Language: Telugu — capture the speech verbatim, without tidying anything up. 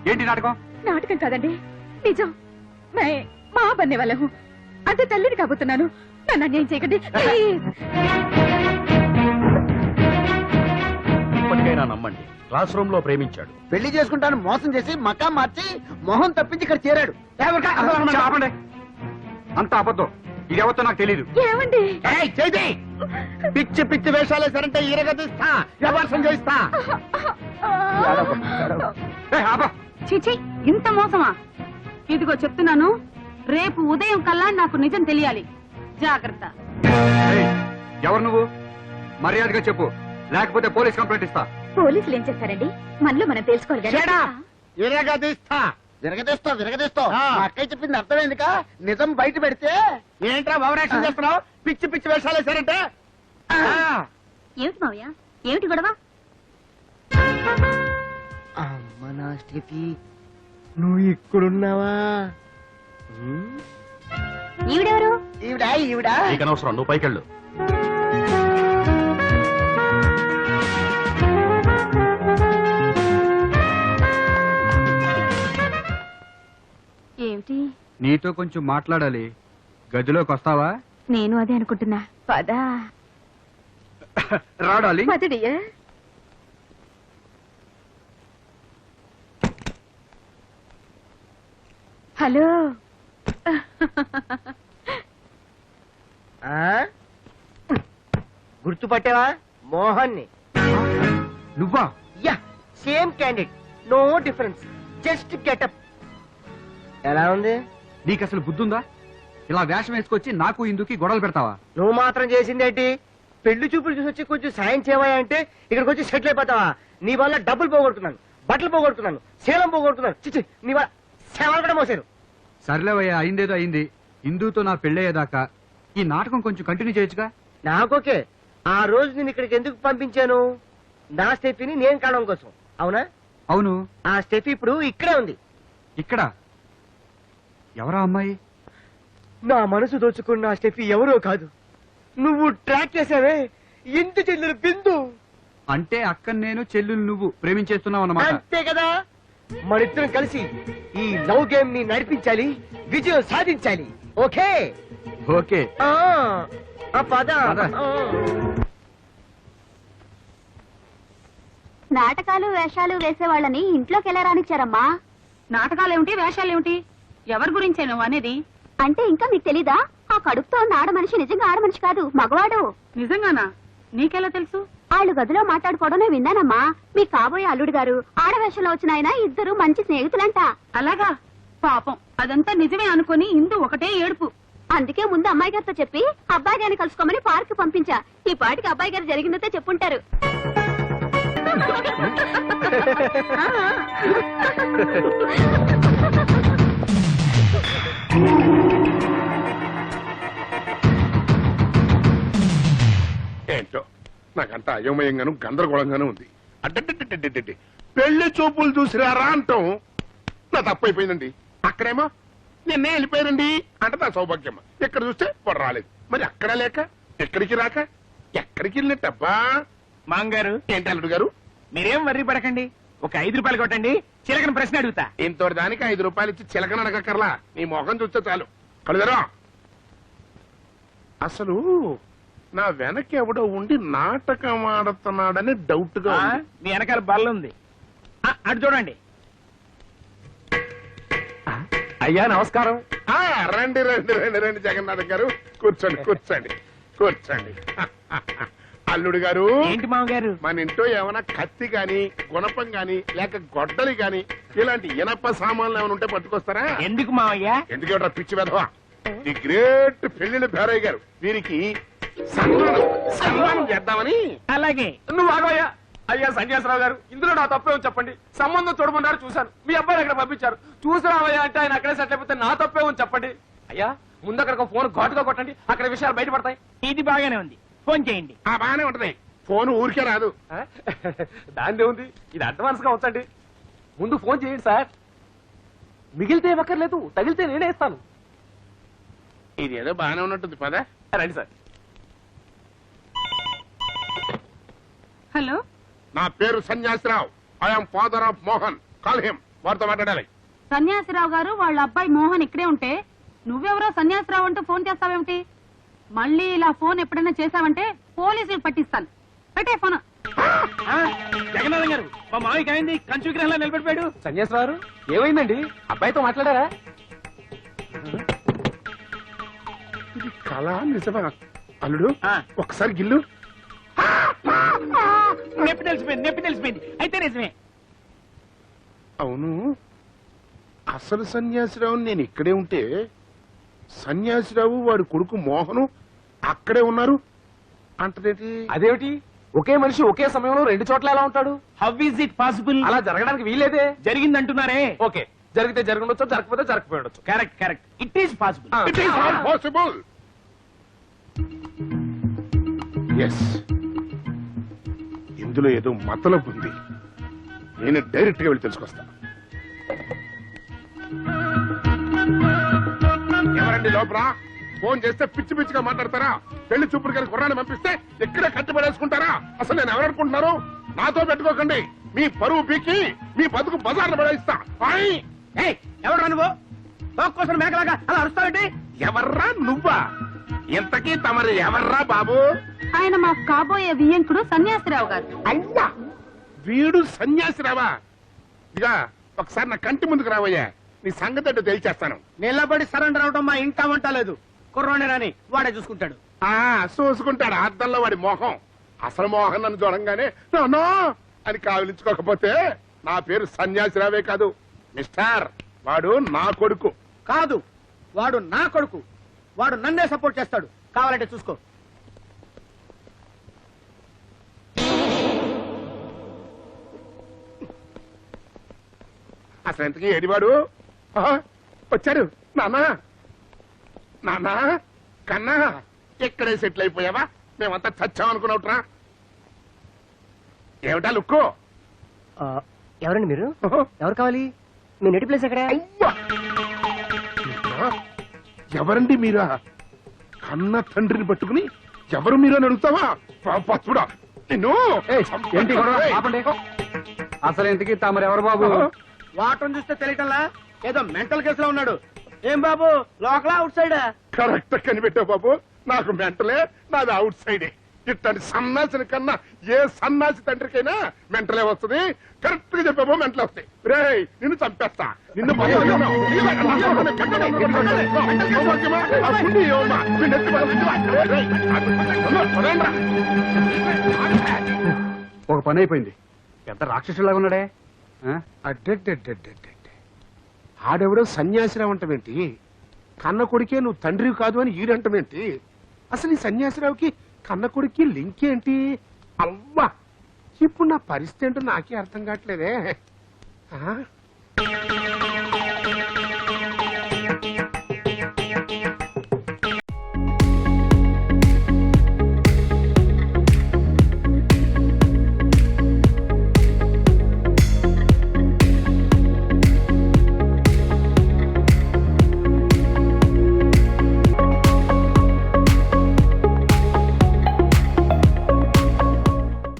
ఏంటి నాటకం? నాటకం కాదండి, నిజం. మా బన్నే వాళ్ళము అంతే, తల్లిని కాబోతున్నాను. నన్ను అన్యాయం చేయకండి. ఇప్పటికైనా నమ్మండి, క్లాస్ రూమ్ లో ప్రేమించాడు, పెళ్లి చేసుకుంటాను మోసం చేసి మకా మార్చి మొహం తప్పించి ఇక్కడ చేరాడు. ఆపండి. అంత అబద్ధం. ఇది ఎవరితో నాకు తెలియదు. ఏమండి? పిచ్చి పిచ్చి వేషాలు వేసారంటే ఈరగదిస్తా, వ్యవహారం చేయిస్తా. చిచి, ఇంత మోసమా? ఇదిగో చెప్తున్నాను, రేపు ఉదయం కల్లా నాకు నిజం తెలియాలి. జాగ్రత్త. ఎవరు నువ్వు? మర్యాదగా చెప్పు, లేకపోతే పోలీస్ కంప్లైంట్ ఇస్తా. పోలీసులు ఏం చేస్తారండి, మనలో మనం తెలుసుకోవాలి కదా. విరగదీస్తా విరగదీస్తా విరగదీస్తా. అక్కయ్య చెప్పింది అర్థమైందిక? నిజం బయట పెడితే ఏంట్రా ఓవరాక్షన్ చేస్తున్నావు? పిచ్చి పిచ్చి వేషాలు వేసారంటే. ఏమిటి మావయ్య, ఏమిటి గొడవ? అమ్మ నా స్టెఫీ, నువ్వు ఇక్కడున్నావా? ఈవిడెవరు? ఈవిడా ఈవిడా నీకు అనవసరం, నువ్వు పైకెళ్ళు. ఏమిటి? నీతో కొంచెం మాట్లాడాలి, గదిలోకి వస్తావా? నేను అదే అనుకుంటున్నా. పదా రాడాలి. పదడియా. హలో. గుర్తుపట్టావా? మోహన్ ని. నువ్వా? Yeah, same candidate, no difference, just getup. ఎలా ఉంది? నీకు అసలు బుద్ధుందా? ఇలా వేషం వేసుకొచ్చి నాకు ఇందుకి గొడవలు పెడతావా? నువ్వు మాత్రం చేసిందేంటి? పెళ్లి చూపులు చూసి వచ్చి కొంచెం సాయం చేయవా అంటే ఇక్కడికి వచ్చి సెటిల్ అయిపోతావా? నీ వల్ల డబ్బులు పోగొడుతున్నాను, బట్టలు పోగొడుతున్నాను, శీలం పోగొడుతున్నాను. చిచ్చి, నీ వల్ల సేవలు కూడా మోసారు. సర్లేవయ్యా, అయిందేదో అయింది. ఇందుతో నా పెళ్ళయ్యేదాకా ఈ నాటకం కొంచెం కంటిన్యూ చేయొచ్చుగా? నాకోకే. ఆ రోజు నేను ఇక్కడికి ఎందుకు పంపించాను? నా స్టెఫీని నేను కావడం కోసం, అవునా? అవును. ఆ స్టెఫీ ఇప్పుడు ఇక్కడే ఉంది. ఇక్కడ? ఎవరా అమ్మాయి? నా మనసు దోచుకున్న ఆ స్టెఫీ ఎవరో కాదు, నువ్వు ట్రాక్ చేసావే ఇంటి చెల్లెలు బిందు. అంటే అక్క నేను, చెల్లెలు నువ్వు ప్రేమించేస్తున్నావు అన్నమాట. అంతే కదా. మనిద్దరం కలిసి ఈ లవ్ గేమ్ ని నడిపించాలి, విజయం సాధించాలి. Okay okay. ఆ, ఆ పద. పద. ఆ. నాటకాలు వేషాలు వేసేవాళ్ళని ఇంట్లోకి ఎలా రానిచ్చారమ్మా? నాటకాలేమిటి, వేషాలేమిటి? ఎవరి గురించే నువ్వు అనేది? అంటే ఇంకా మీకు తెలీదా? ఆ కడుపుతో ఉన్న ఆడ మనిషి నిజంగా ఆడ మనిషి కాదు, మగవాడు. నిజంగానా? నీకెలా తెలుసు? వాళ్ళు గదిలో మాట్లాడుకోవడం విన్నానమ్మా. మీ కాబోయే అల్లుడు గారు ఆడవేషంలో వచ్చిన ఆయన ఇద్దరు మంచి స్నేహితులంట. అలాగా? పాపం, అదంతా నిజమే అనుకుని ఇందు ఒకటే ఏడుపు. అందుకే ముందు అమ్మాయి గారితో చెప్పి అబ్బాయి గారిని కలుసుకోమని పార్క్ పంపించా. ఈ పాటికి అబ్బాయి గారు జరిగిందంటే చెప్పుంటారు. ఏంటో నాకంతా అయోమయంగాను గందరగోళంగానూ ఉంది. అడ్డడ్డడ్డడ్డడ్డి పెళ్లి చూపులు చూసిరారా అంటాం నా తప్పైపోయిందండి. అక్కడేమో నిన్నే వెళ్ళిపోయారండి అంటే నా సౌభాగ్యం. ఇక్కడ చూస్తే పొడ రాలేదు. మరి అక్కడ లేక ఎక్కడికి రాక ఎక్కడికి వెళ్ళినట్టబ్బా? మాంగారు, ఏంటి అల్లుడు గారు? మీరేం వర్రీ పడకండి, ఒక ఐదు రూపాయలు కొట్టండి, చిలకన ప్రశ్న అడుగుతా. ఇంతటి దానికి ఐదు రూపాయలు ఇచ్చి చిలకన అడగక్కర్లా, నీ మొఖం చూస్తే చాలు. కలుదరా అసలు నా వెనక ఎవడో ఉండి నాటకం ఆడుతున్నాడని డౌట్ గా ఉంది. మీ వెనకాల బల్ల ఉంది, అటు చూడండి. అయ్యా నమస్కారం. రండి రండి రండి రండి జగన్నాథ్ గారు, కూర్చోండి కూర్చోండి కూర్చోండి. అల్లుడు గారు, ఏంటి మామగారు? మన ఇంట్లో ఏమైనా కత్తి గాని గుణపం గాని లేక గొడ్డలి గాని ఇలాంటి ఇనప సామాన్లు ఏమైనా ఉంటే పట్టుకొస్తారా? ఎందుకు మావయ్య? ఎందుకంటే పిచ్చి వెధవా, ది గ్రేట్ పెళ్లిళ్ళ భేరయ్య గారు వీరికి సన్మానం సన్మానం చేద్దామని. అలాగే. నువ్వు ఆగోయ్యా. అయ్యా సన్యాసరావు గారు, ఇందులో నా తప్పేమో చెప్పండి. సంబంధం చూడమన్నారు, చూశాను. మీ అబ్బాయిని అక్కడ పంపించారు, చూసిరావయ్యా అంటే ఆయన అక్కడే సెట్ అయిపోతే నా తప్పేమో చెప్పండి. అయ్యా ముందు అక్కడ ఫోన్ ఘాటుగా కొట్టండి, అక్కడ విషయాలు బయటపడతాయి. ఇది బాగానే ఉంది, ఫోన్ చేయండి. ఆ బాగానే ఉంటది, ఫోన్ ఊరికే రాదు. దాందే ఉంది, ఇది అడ్వాన్స్ గా ఉంచండి. ముందు ఫోన్ చేయండి సార్. మిగిలితే ఇవ్వక్కర్లేదు, తగిలితే నేనే ఇస్తాను. ఇది ఏదో బాగానే ఉన్నట్టుంది, పదా రండి సార్. హలో, నా పేరు Sanyasirao. I'm father of Mohan, call him. వారితో మాట్లాడాలి. సన్యాసిరావు గారు వాళ్ళ అబ్బాయి మోహన్ ఇక్కడే ఉంటే నువ్వెవరో సన్యాసిరావు అంటూ ఫోన్ చేస్తావేమిటి? మళ్ళీ ఇలా ఫోన్ ఎప్పుడైనా చేసావంటే పోలీసులు పట్టిస్తాను. పెట్టే ఫోన్. జగన్నాథం గారు మా మామయ్యకి అయింది కంచు విగ్రహంలో నిలబడిపోయాడు. సన్యాసరావు ఏమైందండి? అబ్బాయితో మాట్లాడారా? ఇది కళ నిజమా? అల్లుడు ఆ. ఒకసారి గిల్లు. నొప్పి తెలిసిపోయింది నొప్పి తెలిసిపోయింది అయితే నిజమే. అవును, అసలు సన్యాసిరావు నేను ఇక్కడే ఉంటే సన్యాసిరావు వాడి కొడుకు మోహను అక్కడే ఉన్నారు అంటదేంటి? అదేమిటి? ఒకే మనిషి ఒకే సమయంలో రెండు చోట్ల ఎలా ఉంటాడు? How is it possible? అలా జరగడానికి వీలేదే. జరిగిందంటున్నారే. ఓకే, జరిగితే జరగండొచ్చు, జరగకపోతే జరగకపోయి ఉండొచ్చు. Correct correct it is possible. ఆ. It is not possible. Yes, ఇందులో ఏదో మతలబు ఉంది. నేను డైరెక్ట్ గా వెళ్ళి తెలుసుకొస్తా. ఎవరండి లోపల? ఫోన్ చేస్తే పిచ్చి పిచ్చిగా మాట్లాడతారా? పెళ్లి చూపుడు గారి గుర్రాన్ని పంపిస్తే ఇక్కడే కట్టుబడేసుకుంటారా? అసలు నేను ఎవరనుకుంటున్నారు? నాతో పెట్టుకోకండి. మీ పరువు పీకి మీ బతుకు బజార్ను పడేస్తా. ఆయ్! ఎవరు నువ్వు తోక్కోసం మేకలాగా అలా అరుస్తావేంటి? ఎవర్రా నువ్వా? ఇంతకీ తమరు ఎవర్రా బాబు? ఆయన మా కాబోయే వియ్యంకుడు సన్యాసిరావు గారు. అయ్యా, వీడు సన్యాసిరావా? ఇక ఒకసారి నా కంటి ముందుకు రావయ్యా, నీ సంగతి ఏంటో తేల్చేస్తాను. నిలబడి సరెండర్ అవడం మా ఇంట వంట లేదు. కుర్రోనే రాని వాడే చూసుకుంటాడు. ఆ చూసుకుంటాడు అద్దంలో వాడి మోహం. అసలు మోహన్ నన్ను చూడంగానే నాన్నో అని కావలించుకోకపోతే నా పేరు సన్యాసిరావే కాదు మిస్టర్. వాడు నా కొడుకు కాదు, వాడు నా కొడుకు. వాడు నన్నే సపోర్ట్ చేస్తాడు. కావాలంటే చూసుకో. అసలు ఎంతకీ ఏడివాడు? ఆహా, వచ్చాడు. నాన్నా నాన్నా కన్నా ఇక్కడే సెటిల్ అయిపోయావా? మేమంతా చచ్చామనుకున్నావుట్రా. ఏమిటా లుక్కో? ఎవరండి మీరు? ఎవరు కావాలి? మీ నెటి ప్లేస్ ఎక్కడ? అవ్వా! ఇంకా ఎవరండి మీరా? కన్న తండ్రిని పట్టుకుని ఎవరు మీరు అని అడుగుతావా? చూడా నిన్ను. ఏంటి గొడవ? ఆపండి. అసలు ఇంతకీ తమరెవరు బాబు? వాటం చూస్తే తెలియటంలా ఏదో మెంటల్ కేసులో ఉన్నాడు. ఏం బాబు, లోకలా అవుట్ సైడా? కరెక్ట్ కనిపెట్టావు బాబు. నాకు మెంటలే, నాది అవుట్ సైడే. ఇట్లాంటి సన్నాసిని కన్నా ఏ సన్నాసి తండ్రికైనా మెంటలే వస్తుంది. కరెక్ట్ గా చెప్పావు, మెంటలే వస్తాయి. రే నిన్ను చంపేస్తా. నిన్ను ఒక పని అయిపోయింది. పెద్ద రాక్షసులాగా ఉన్నాడే. ఆ? అడ్డెడ్డెడ్డెడ్డెడ్డె ఆడెవడో సన్యాసిరావు అంటమేంటి? కన్న కొడుకే నువ్వు తండ్రి కాదు అని ఈడంటమేంటి? అసలు ఈ సన్యాసిరావుకి కన్న కొడుక్కి లింక్ ఏంటి? అవ్వా, ఇప్పుడు నా పరిస్థితి ఏంటో నాకే అర్థం కావట్లేదే. ఆ?